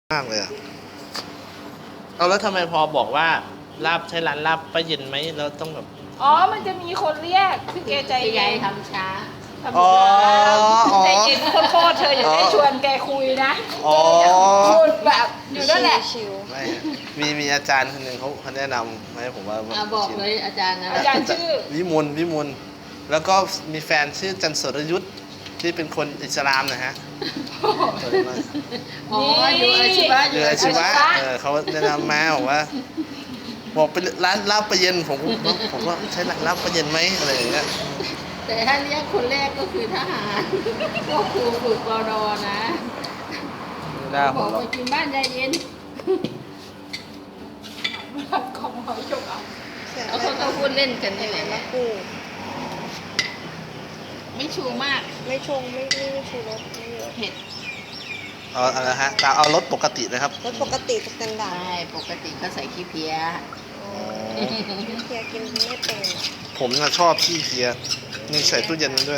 มากเลยอะเอาแล้วทำไมพอบอกว่าลาบใช้ร้านลาบป้าเย็นไหมแล้วต้องแบบอ๋อ มันจะมีคนเรียกพี่เกใจใหเย็ญ่นทำช้าทำช้าใจเย็นโคตรเธออย่าได้ชวนแกคุยนะอ๋อแกจะพูดแบบอยู่นั่นแหละชิวไม่ฮะมีอาจารย์คนหนึ่งเขาแนะนำมาให้ผมว่าบอกเลยอาจารย์นะอาจารย์ชื่อวิมลแล้วก็มีแฟนชื่อจันสรยุทธที่เป็นคนอิสลามนะฮะอ๋ออยู่อาชีวะอยู่อาชีวะเขาแนะนำมาบอกเป็นร้านลาบป้าเย็นผมว่าใช้ร้านลาบป้าเย็นไหมอะไรอย่างเงี้ยแต่ถ้าเรียกคนแรกก็คือทหารก็ครูฝึกรอดอนะไม่ได้บผอมกหรอกมากินบ้านยายเย็นของหอยจงเอาๆเสียงแล้วเขาก็พูดเล่นกันนี่แหละมะกรูดไม่ชูมากไม่ชงไม่ชูรสไม่เยอะเผ็ดเอาอะไรฮะเอารถปกตินะครับรสปกติสแตนดาร์ดใช่ปกติก็ใส่ขี้เพี้ยเพียกินไม่เป็นอะผมน่ะชอบขี้เพียนี่ใส่ตู้เย็นด้วย